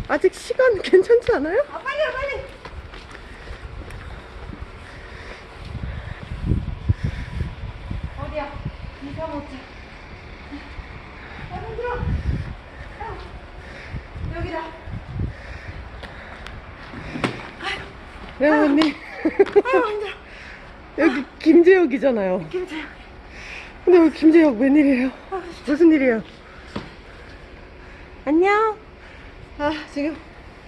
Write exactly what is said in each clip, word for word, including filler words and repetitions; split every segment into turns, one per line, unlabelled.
아직 시간 괜찮지 않아요?
아, 빨리 빨리. 어디야? 이사 못자. 아, 힘들어. 아, 여기다.
네, 언니.
아유, 힘들어.
여기 김제역이잖아요.
김재영.
근데 여기 김제역 웬일이에요? 무슨 일이에요? 안녕.
아, 지금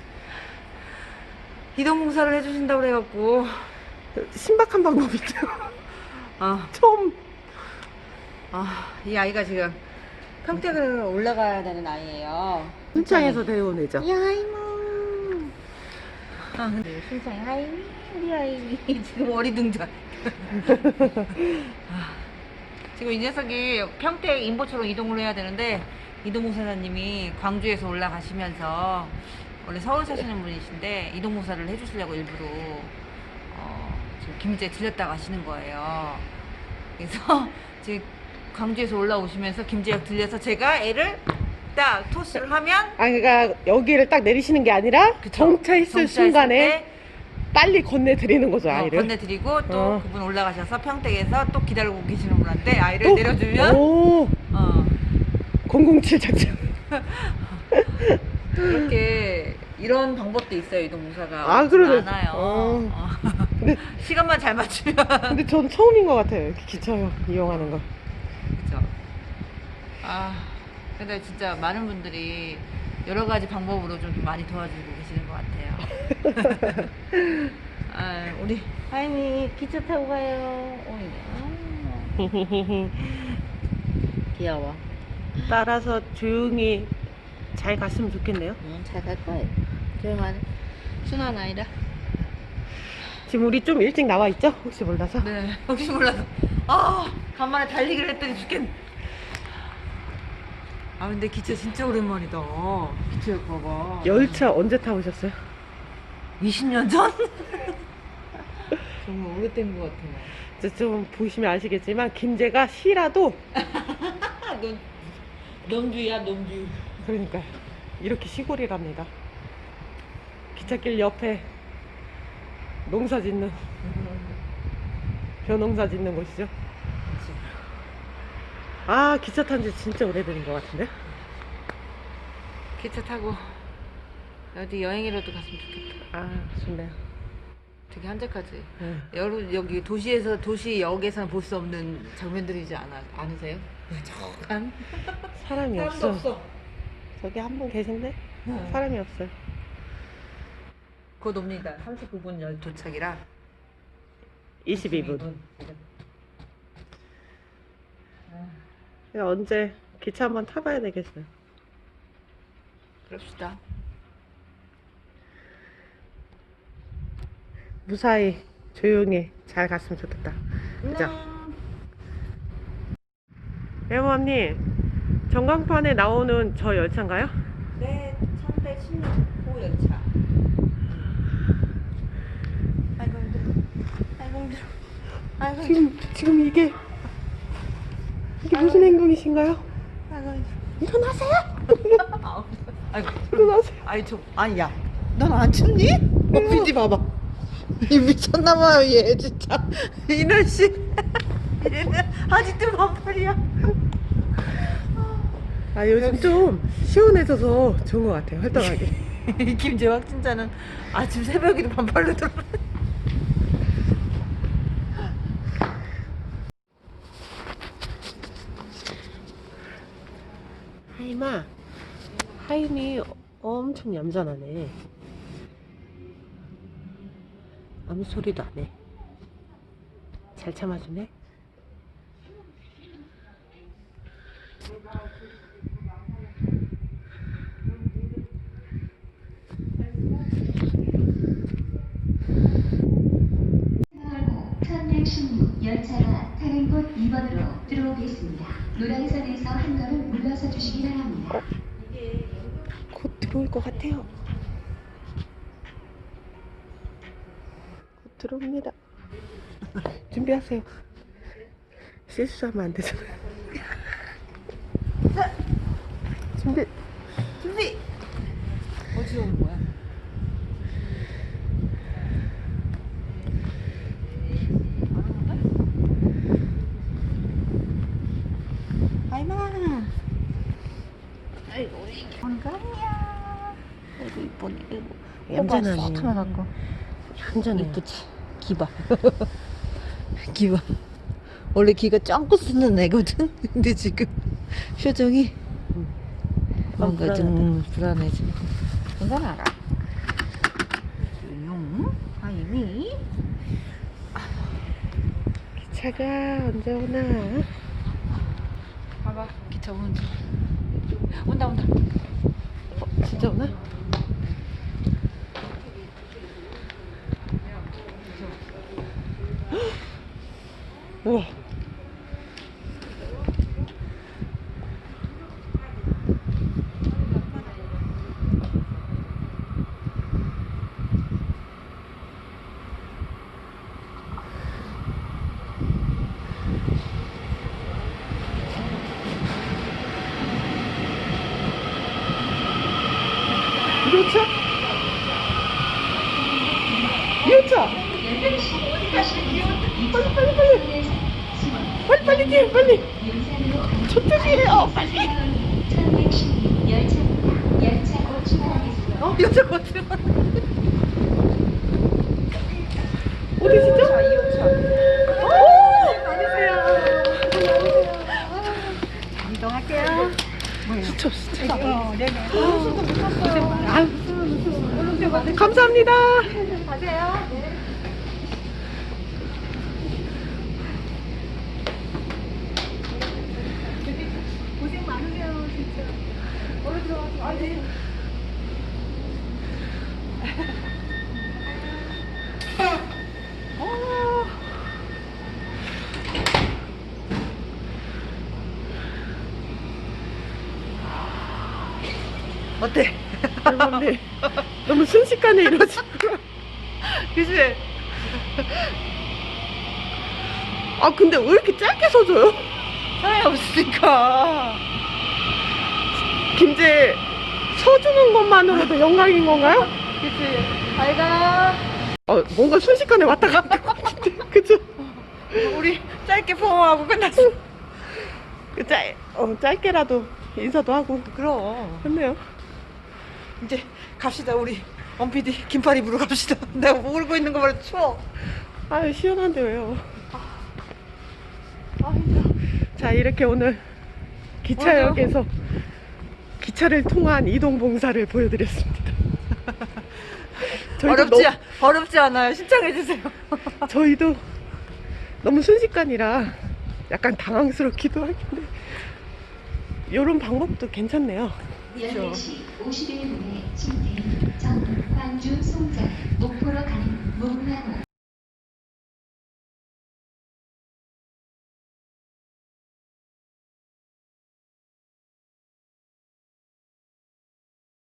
이동공사를 해주신다고 그래갖고.
신박한 방법 있죠?
아,
처음.
아, 이 아이가 지금 평택을 올라가야 되는 아이예요.
순창에서 데려온 애죠.
야이모. 아, 근데 순창이 하이미, 우리 하이미 지금 어리둥절. 아, 지금 이 녀석이 평택 인보초로 이동을 해야 되는데 이동공사사님이 광주에서 올라가시면서 원래 서울 사시는 분이신데 이동공사를 해주시려고 일부러 어, 지금 김제 들렸다 가시는 거예요. 그래서 지금 광주에서 올라오시면서 김제역 들려서 제가 애를 딱 토스를 하면
아, 그러니까 여기를 딱 내리시는 게 아니라
그쵸?
정차했을
정차했을
순간에
때
빨리 건네드리는 거죠,
어,
아이를.
건네드리고 또
어.
그분 올라가셔서 평택에서 또 기다리고 계시는 분한테 아이를
또?
내려주면
오,
어,
공공칠 작전.
이렇게 이런 방법도 있어요. 이동공사가
아, 그러네.
많아요.
어.
어.
근데,
시간만 잘 맞추면
근데 전 처음인 것 같아요. 이렇게 기차역 이용하는 거.
그죠. 아, 근데 진짜 많은 분들이 여러 가지 방법으로 좀 많이 도와주고 계시는 것 같아요. 아, 우리 하임이 기차 타고 가요. 어, 귀여워.
따라서 조용히 잘 갔으면 좋겠네요.
응, 잘 갈 거예요. 조용한 순한 아이라.
지금 우리 좀 일찍 나와 있죠? 혹시 몰라서.
네, 혹시 몰라서. 아, 간만에 달리기를 했더니 죽겠네. 아, 근데 기차 진짜 오랜만이다. 기차역 봐봐.
열차 언제 타보셨어요?
이십 년 전? 정말 오래된 것 같아요.
이제 좀 보시면 아시겠지만 김제가 시라도
넌, 넘주야, 넘주.
그러니까 이렇게 시골이랍니다. 기찻길 옆에 농사 짓는 벼농사 짓는 곳이죠. 아, 기차 탄 지 진짜 오래된 것 같은데.
기차 타고 어디 여행이라도 갔으면 좋겠다.
아, 좋네요.
되게 한적하지.
네.
여러 여기 도시에서 도시역에서는 볼 수 없는 장면들이지 않아 않으세요? 저간
사람이
사람도
없어.
없어.
저기 한 분 계신데
네.
사람이 없어요.
곧 옵니다. 삼십구 분 열 도착이라.
이십이 분. 언제 기차 한번 타봐야 되겠어요.
그럽시다.
무사히 조용히 잘 갔으면 좋겠다. 그죠? 외모님, 전광판에 나오는 저 열차인가요?
네, 천백십 년 호 열차. 아이고 힘들어. 아이고 힘들어. 아이고 힘들어.
지금 지금 이게 이게 무슨 행동이신가요?
아이고 힘들어.
일어나세요!
아이고.
일어나세요!
아이 좀 아니야. 넌 안 춥니? 어, 비디 봐봐. 이 미쳤나봐요 얘 진짜. 이 날씨. 얘는 아직도 반팔이야.
아, 요즘 좀 시원해져서 좋은 것 같아요. 활동하기.
김제 확진자는 아침 새벽에도 반팔로 들어.
하임아, 하임이 엄청 얌전하네. 아무 소리도 안 해. 잘 참아주네.
천백십육 열차가 타는 곳 이 번으로 들어오겠습니다. 노란선에서 한 걸음 물러서 주시기 바랍니다.
곧 들어올 것 같아요. 곧 들어옵니다. 준비하세요. 실수하면 안 되잖아요.
자,
준비.
준비. 어디 어디서 오는 거야? 아이마. 아이고 우리 건강이야. 아이고 이쁘네. 아이고.
얌전하네.
쏙 하나갖고.
얌전해.
이쁘지. 기봐. 기봐. 원래 기가 쫑긋 쓰는 애거든. 근데 지금 표정이 뭔가 좀 불안해 지금. 괜찮아. 용. 아이미.
기차가 언제 오나?
봐봐. 기차 오는 중. 온다 온다.
어, 진짜 오나? 우와. 이호차? 이호차! 빨리 빨리 빨리 빨리 빨리 뛰어 빨리 저쪽이에요 빨리
어? 여자 어떻게
어디시죠?
이호차.
오! 많으세요.
이동할게요.
진짜 진짜.
어, 네네.
아유, 감사합니다.
가세요. 네. 고생 많으세요, 진짜. 얼른 들어가세요. 아, 네.
어.
어때?
대박네. 너무 순식간에 이러지.
그치?
아 근데 왜 이렇게 짧게 서줘요?
사람이 없으니까.
김제 서주는 것만으로도 영광인 건가요?
그치? 잘 가.
어 뭔가 순식간에 왔다 갔다 것 같은데 그죠?
우리 짧게 포옹하고 끝났어.
그 짧, 어, 짧게라도 인사도 하고
그럼.
했네요.
이제 갑시다, 우리. 원피디 긴팔 입으러 갑시다. 내가 울고 있는 거 말고 추워.
아유 시원한데 왜요?
아, 힘들어.
자 이렇게 오늘 기차역에서 기차를 통한 이동 봉사를 보여드렸습니다. 저희도
어렵지,
너무-
어렵지 않아요. 신청해주세요.
저희도 너무 순식간이라 약간 당황스럽기도 하긴데 이런 방법도 괜찮네요.
열네 시 오십일 분에 침대 정 광주 송장 목